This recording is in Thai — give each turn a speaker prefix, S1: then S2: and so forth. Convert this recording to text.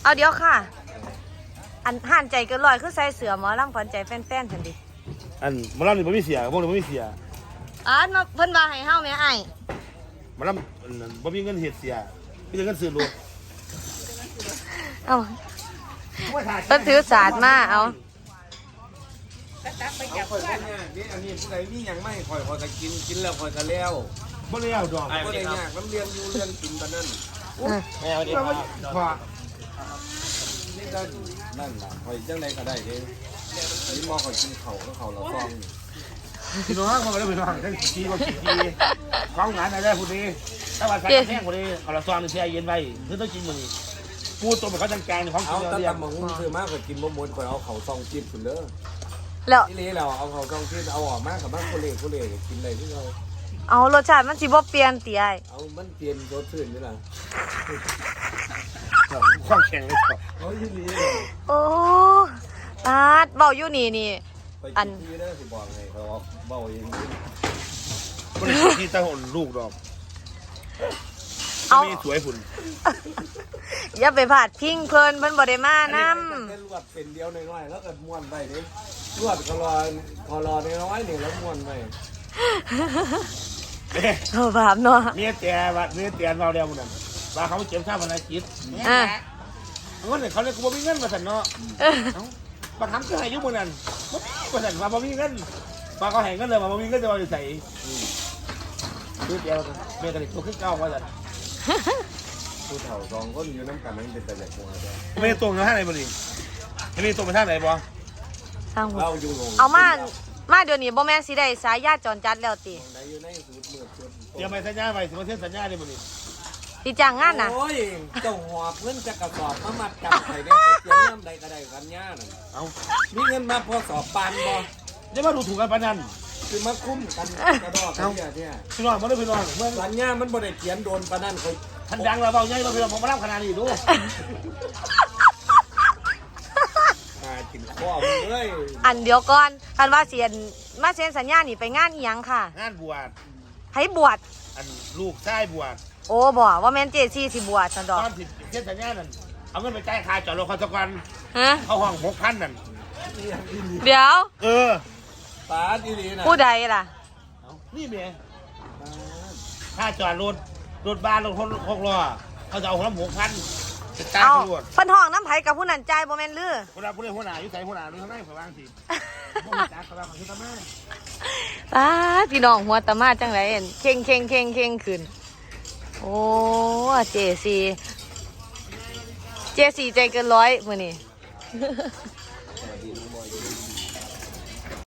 S1: เอาเดี๋ยวค่ะอันห่านใจเกินร้อยคือใส่เสือหมอลำขวัญใจแฟนๆทันดิ
S2: อันมาลำนี่บ่มีเสียพวกนี้บ่มีเสีย
S1: มาเพิ่นว่าให้เฮาแม่ไอ้
S2: มาลำบ่มีเงินเฮ็ดเสียมีแต่เงินซื้อรถ
S1: เอาเพิ่นถือศาสตร์มาเอา
S3: ข่อยนี่อันนี้ผู้ใดมีหยังไม่ข่อยก็กินแล้วข่อยก็แล้ว
S2: บ่ได้เอาดอก
S3: บ่ได้ยากน้ำเลี้ยงอยู่เลี้ยงกินปานนั้น
S2: แม่เอาดิพอ
S3: นี่ก็นั่นล่ะข่อยจังไดก็ได้เด้นี่มอข่อยกินข้าวแล้วข้าวละซอง
S2: พี่น้องมันก็ได้พี่น้องทั้งกี่บ่กี่ทีของงานอะไรผู้นี้ถ้าว่าใส่แห้งผู้นี้เอาละซองนี่แช่เย็นไว้คือต้องกินมื้อนี้ปูตัวมันเขาจังแกงของ
S3: เอา
S2: กิน
S3: ตะ
S2: เรียก
S3: ตำบักหุ่งซื้อมาข่อยกินบ่หมดข่อยเอาข้าวซองจิ้มพุ่นเด้อ
S1: แล้ว
S3: อีหลีแล้วเอาข้าวซองจิ้มเอาออกมากับบ้านโคเล่กินได้คือเรา
S1: เอารสชาติมันสิบ่เปลี่ยนติไอ้
S3: เอามันเปลี่ยนรสชื่นอยู่ล่ะ
S2: ความแข็งเลยครับ
S3: เอาอีหลี
S1: โอ้ปาดเว้าอยู่นี่
S3: ไปกินที่เด้อสิบอกให้เขาเว้าเอง
S2: บ่ได้ที่ตาหนลูกดอก
S1: เอา
S2: มีสวยพุ่น
S1: อย่าไปพาดพิงเพิ่นบ่ได้มานำ
S3: แค่ลวดเป็นเดียวน้อยๆแล้วก็ม้วนไปนี่ลวดก็รอน้อยๆนี่แล้วม้วนไป
S1: โอ้บาปเนาะ
S2: เมียแต่ว่าเมียแต่เราเดียวมันนั่นว่าเขาเจ็บข้าวมันจิต
S1: อ่ะ
S2: เงินเขาเลยกูบ่มีเงินมาสั่นเนาะบางครั้งก็ให้ยุบมันนั่นมาสั่นว่าบ่มีเงินมาเขาให้เงินเลยมาบ่มีเงินจะมาอยู่ใส่คือเดียวเมียกันตัวขึ้นเก้าว่าสั่น
S3: ผู้เฒ่าสองคนอยู่น้ำกันนั่นเป็นแต่เด็กหัวเดียว
S2: ไม่ได้ตรงนะท่าไหนบ่นี่ไม่ได้ตรงไปท่าไหนบ่
S1: ทางหัว
S3: เราอยู่ลง
S1: เอามาเดี๋ยวนี้บ่แม่นสิได้สายญาติจรจัดแล้วติ
S3: ไหนอยู่ในสูตรเมือกสูตร
S2: เตรียมไปสัญญาไปสิมาเซ็นสัญญาได้บ่นี่
S1: สิจ้างงานน่ะ
S3: โอ้ยเจ้าหอบเงินจะกระสอบมามัดจับไข่ได้ไปเตรียมน้ำใดก็ได้กันย่าน่ะ
S2: เอา
S3: มีเงินมาพอสอบปานบ่
S2: จะมาดูถูกกันปานนั้น
S3: คือมาคุ้มกันกระดอกกันเนี่ย
S2: พี่น้องมาด้วยพี่น้องเมื่อ
S3: สัญญามันบ่ได้เขียนโดนปานนั้นเขา
S2: ท่านดังเราเบาใหญ่เราพี่น้องผมมารับขนาดนี้ดู
S3: กินข้อมึงเลย
S1: อันเดียวก่อนคันว่าเสียนมาเซ็นสัญญานี่ไปงานอีหยังค่ะ
S2: งานบวช
S1: ให้บวช
S2: อันลูกชายบวช
S1: โอ้บ่ว่าแม่นเจซี่สิบวชซั่นดอก
S2: ตอนผิดเส้นสัญญานั่นเอาเงินไปจ่ายค่าจอดรถเขาสักวัน
S1: ฮะ
S2: เขาห้อง6,000นั่น
S1: เดี๋ยว
S2: เออ
S3: ปาดีๆนะ
S1: ผู้ใดล่ะ
S2: นี่เมียค่าจอดรถบ้านรถ6 ล้อเขาจะเอาคนละ6,000จะจ่าย
S1: เอา
S2: ตำรวจ
S1: เพิ่นห้องน้ำไผกับผู้นั้นจ่ายบ่แม่นลือ
S2: คนละผู้ใดหัวหน้าอยู่ใส่หัวหน้าดูข้างในฝ่ายวางสิบ่มีจักเขาว่าเขาคือตาแม่
S1: ป้าดพี่น้องหัวตะมาจังไดเห็นเข่งขึ้นโอ้เจซี่ใจเกินร้อยมื้อนี้